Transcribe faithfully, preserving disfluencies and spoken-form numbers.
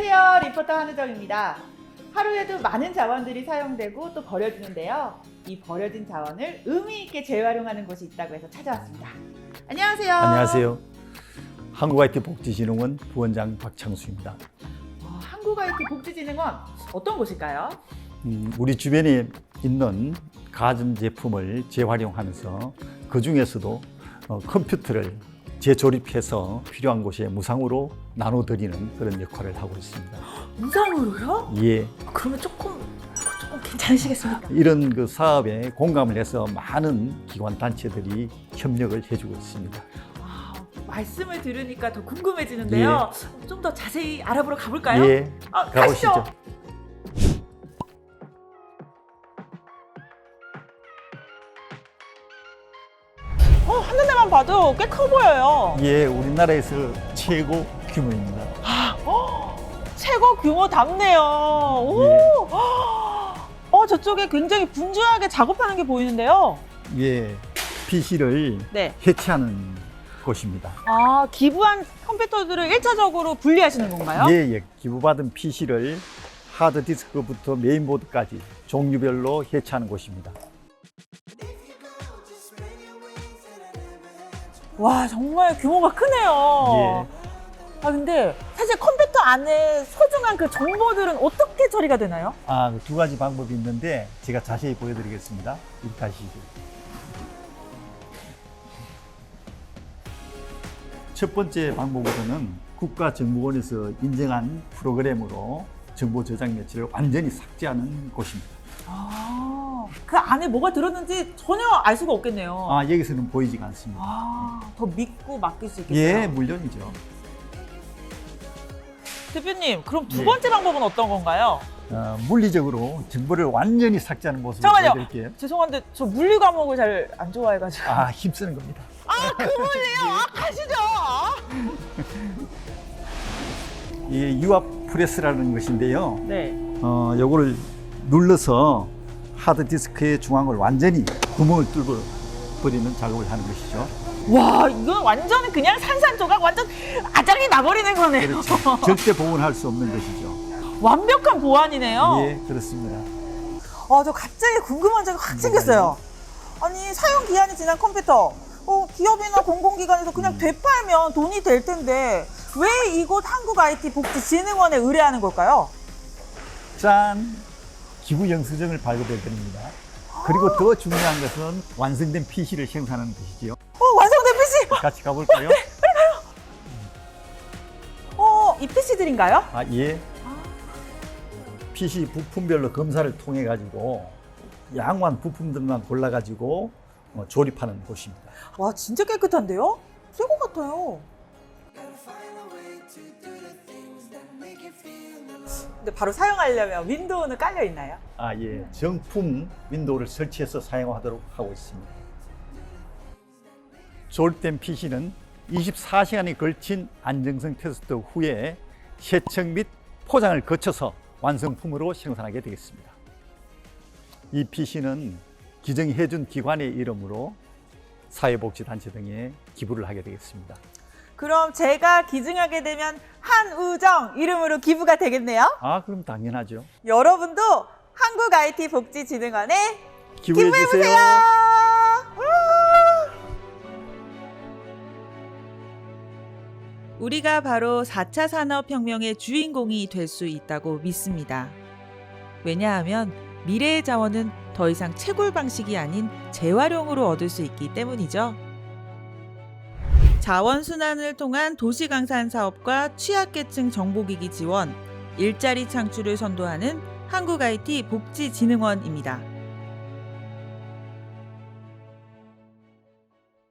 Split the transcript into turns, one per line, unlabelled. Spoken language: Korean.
안녕하세요. 리포터 한우정입니다. 하루에도 많은 자원들이 사용되고 또 버려지는데요. 이 버려진 자원을 의미 있게 재활용하는 곳이 있다고 해서 찾아왔습니다. 안녕하세요.
안녕하세요. 한국아이티복지진흥원 부원장 박창수입니다.
어, 한국아이티복지진흥원 어떤 곳일까요?
음, 우리 주변에 있는 가전제품을 재활용하면서 그 중에서도 어, 컴퓨터를 재조립해서 필요한 곳에 무상으로 나눠드리는 그런 역할을 하고 있습니다.
무상으로요?
예.
그러면 조금 조금 괜찮으시겠습니까?
이런 그 사업에 공감을 해서 많은 기관 단체들이 협력을 해주고 있습니다.
아, 말씀을 들으니까 더 궁금해지는데요. 좀 더 자세히 알아보러 가볼까요?
예.
아,
가보시죠.
가시죠.
어, 한눈에만 봐도 꽤 커 보여요.
예, 우리나라에서 최고 규모입니다.
최고 규모답네요. 오!
예.
어, 저쪽에 굉장히 분주하게 작업하는 게 보이는데요.
예, 피시를
네.
해체하는 곳입니다.
아, 기부한 컴퓨터들을 일차적으로 분리하시는 건가요?
예, 예. 기부받은 피시를 하드디스크부터 메인보드까지 종류별로 해체하는 곳입니다.
와, 정말 규모가 크네요.
예.
아, 근데 사실 컴퓨터 안에 소중한 그 정보들은 어떻게 처리가 되나요?
아, 두 가지 방법이 있는데 제가 자세히 보여드리겠습니다. 이렇게 하시죠. 첫 번째 방법으로는 국가정보원에서 인정한 프로그램으로 정보 저장 매체를 완전히 삭제하는 곳입니다.
아, 그 안에 뭐가 들었는지 전혀 알 수가 없겠네요.
아, 여기서는 보이지가 않습니다.
아, 더 믿고 맡길 수 있겠어요.
예, 물론이죠.
대표님, 그럼 두
예.
번째 방법은 어떤 건가요?
어, 물리적으로 정보를 완전히 삭제하는 모습을
잠깐만요.
보여드릴게요.
죄송한데 저 물리 과목을 잘 안 좋아해가지고.
아, 힘쓰는 겁니다.
아, 그 물리요? 아, 가시죠.
이 유압 프레스라는 것인데요.
네.
어, 요거를 눌러서 하드디스크의 중앙을 완전히 구멍을 뚫어 버리는 작업을 하는 것이죠.
와, 이건 완전 그냥 산산조각 완전 아작이 나버리는 거네요.
그렇죠. 절대 복원할 수 없는 것이죠.
완벽한 보안이네요.
예, 그렇습니다.
아, 저 갑자기 궁금한 점이 확 생겼어요. 아니, 사용 기한이 지난 컴퓨터. 어, 기업이나 공공기관에서 그냥 되팔면 돈이 될 텐데 왜 이곳 한국아이티복지진흥원에 의뢰하는 걸까요?
짠! 기부 영수증을 발급해 드립니다. 그리고 더 중요한 것은 완성된 피시를 생산하는 것이지요.
어, 완성된 피씨!
같이 가볼까요?
어, 이 피씨들인가요?
아, 예. 피시 부품별로 검사를 통해 가지고 양호한 부품들만 골라 가지고 어, 조립하는 곳입니다.
와, 진짜 깨끗한데요? 새 것 같아요. 근데 바로 사용하려면 윈도우는 깔려 있나요?
아, 예. 정품 윈도우를 설치해서 사용하도록 하고 있습니다. 조립된 피시는 이십사 시간에 걸친 안정성 테스트 후에 세척 및 포장을 거쳐서 완성품으로 생산하게 되겠습니다. 이 피시는 기증해 해준 기관의 이름으로 사회복지단체 등에 기부를 하게 되겠습니다.
그럼 제가 기증하게 되면 한우정 이름으로 기부가 되겠네요?
아, 그럼 당연하죠.
여러분도 한국아이티복지진흥원에
기부해
기부해보세요!
주세요.
우리가 바로 사 차 산업혁명의 주인공이 될 수 있다고 믿습니다. 왜냐하면 미래의 자원은 더 이상 채굴 방식이 아닌 재활용으로 얻을 수 있기 때문이죠. 자원순환을 통한 도시강산 사업과 취약계층 정보기기 지원, 일자리 창출을 선도하는 한국아이티복지진흥원입니다.